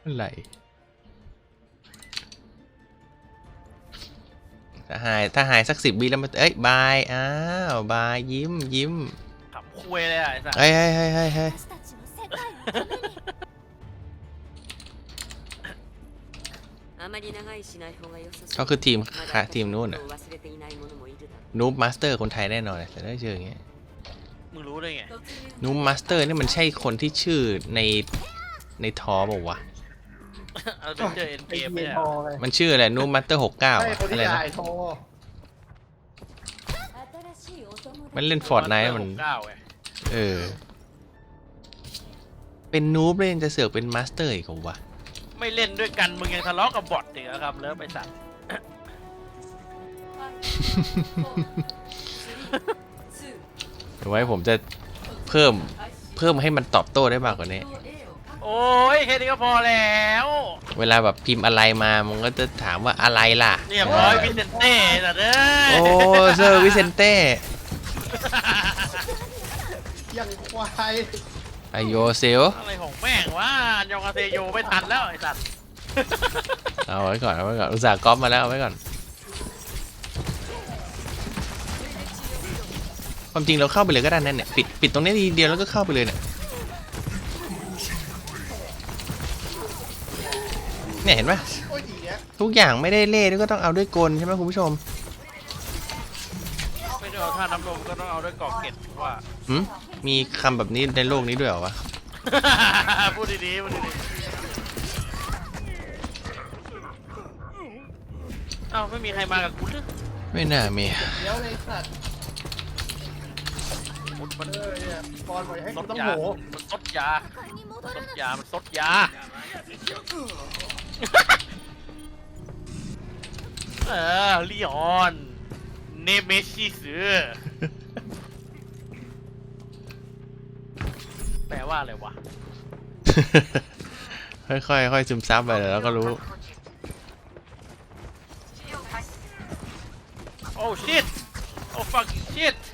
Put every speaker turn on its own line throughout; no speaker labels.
อะไรถ้าหายสัก10 วิแล้วมันเอ้ยบายอ้าวบายยิ้ม
ขำคุยเลยไอ้สัส
เฮ้ยเขาคือทีมนู้นอะนูบมาสเตอร์คนไทยแน่นอนแต่ได้ชื่ออย่างเงี้ย
มึงรู้ได้ไง
นูบมาสเตอร์นี่มันใช่คนที่ชื่อในทอบอกว่าวะ
เอาไปเจอเอ็นเกมไม่ได้
มันชื่ออะไรนูบมาสเตอร์69อะไรนะมันเล่นฟอร์ดไนท์มันเป็นนูบเล่นจะเสือกเป็นมาสเตอร์อีกของวะ
ไม่เล่นด้วยกันมึงยังทะเลาะกับบอทอีกครับเลิฟไปสัตว์
ไว้ผมจะเพิ่มให้มันตอบโต้ได้มากกว่านี้
โอ้ยแค่นี้ก็พอแล้ว
เวลาแบบพิมพ์อะไรมามันก็จะถามว่าอะไรล่ะ
เรียบร้อยวิเซนเต้แต่เด้
โอ้เซอร์วิเซนเต้
ยังควาย
ไอโยเซล
อะไรของแม่งวะยองอาเซโยไม่ทันแล้วไอ้สัตว์
เอาไว้ก่อนอุตส่าห์ก๊อปมาแล้วเอาไว้ก่อนความจริงเราเข้าไปเลยก็ได้นั่นเนี่ยปิดตรงนี้ทีเดียวแล้วก็เข้าไปเลยเนี่ยเห็นปะทุกอย่างไม่ได้เล่ก็ต้องเอาด้วยกลใช่ไหมคุณผู้ชม
ไม่ได้เอาท่าน้ำลมก็ต้องเอาด้วยกอกเก็ตว่า
มีคำแบบนี้ในโลกนี้ด้วยเหรอวะ
พูดดีๆเอ้าไม่มีใครมากับกูเลย
ไม่น่ามี
เดี๋ยวเลยสัตว์
มัน
บอลปล่อยให้กูต้องโห
มันซดยามันซดยาลีออนเนเมซิสแปลว่าอะไรวะ
ค่อยซึมซับไปแล้วก็รู้
โอ้ชิตโอ้ฟักชิต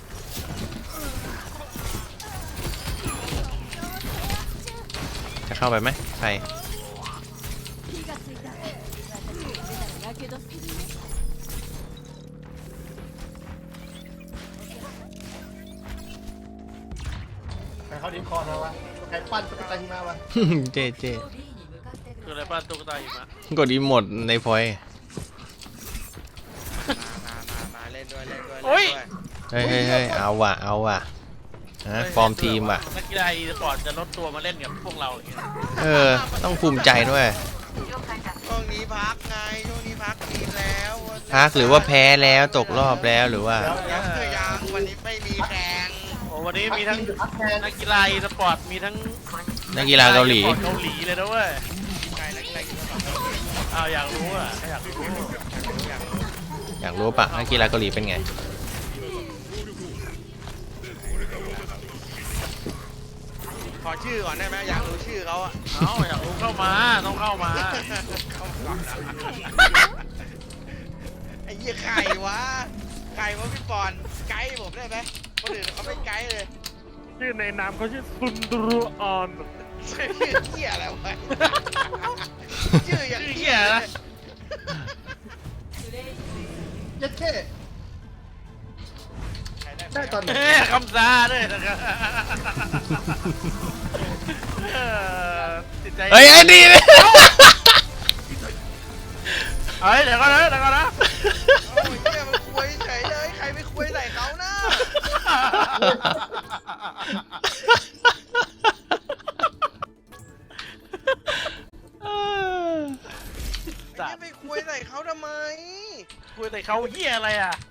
จะเข้าไปไหมไป
เขาดิ้นคอมาวะใครปั้นตุ๊กตาหิมะวะ
เจ
คืออะไรปั้นตุ๊กตาหิมะ
กดอีโมดในพอย
มาเล่นด้วย
โอ้ย
เฮ้ยเอาว่ะฟอร์มทีมว่ะ
นักกีฬาอีสปอร์ตจะลดตัวมาเล่นกับพวกเราอย่างเงี้
ยต้องภูมิใจด้วย
ช่วงนี้พักไงช่วงนี้พักทีมแล้ว
พักหรือว่าแพ้แล้วตกรอบแล้วหรือว่า
ยังวันนี้ไม่มีแข่ง
วันนี้มีทั้งนักกีฬาอีสปอร์ตมีทั้ง
นักกีฬาเกาหลี
เลยนะเว้ยอยากรู้
ปะนักกีฬาเกาหลีเป็นไง
ขอชื่อก่อนได้ไหมอยากรู้ชื่อเขาอะ
อยากรู้เข้ามาต้องเข้ามา
ไอ้ยี่ไข่วะพี่ปอนไกด์ผมได้ไหมคนอื่นเขาไม่ไกด์เลย
ชื่อในนามเขาชื่อซุนดรุออน
ชื่อเหี้ยอะไรวะชื่ออย่าง
เหี้ยนะ
ยัดแค่ได้ตอนไหน
คำซาด้วยนะครับ
เฮ้ยไอ้ดีเลย
เดี๋ยวก่อนนะ
โอ้ยเหี้ยมันคุยเฉยเลยใครไม่คุยใส่เขานะไม่คุยใส่เขาทำไม
คุยใส่เขาเหี้ยอะไรอ่ะ